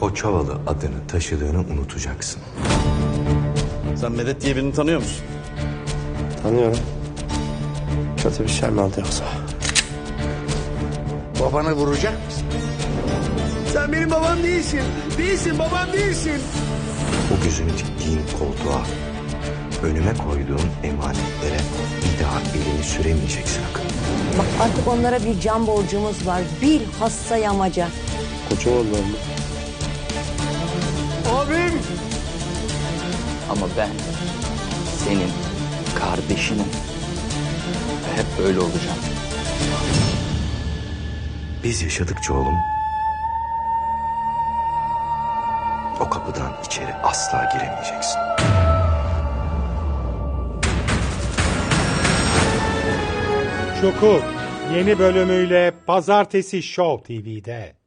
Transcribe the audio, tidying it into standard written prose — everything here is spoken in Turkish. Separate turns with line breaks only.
Koçovalı adını taşıdığını unutacaksın.
Sen Medet diye birini tanıyor musun?
Tanıyorum. Kötü bir şey mi oldu yoksa?
Babanı vuracak mısın? Sen benim babam değilsin. Değilsin, babam değilsin.
O gözünü diktiğin koltuğa, önüme koyduğun emanetlere bir daha elini süremeyeceksin Akın.
Bak artık onlara bir can borcumuz var. Bilhassa yamaca.
Koçovalılar mı?
Abim!
Ama ben senin kardeşinim. Ve hep böyle olacağım.
Biz yaşadıkça oğlum, o kapıdan içeri asla giremeyeceksin.
Çukur yeni bölümüyle Pazartesi Show TV'de.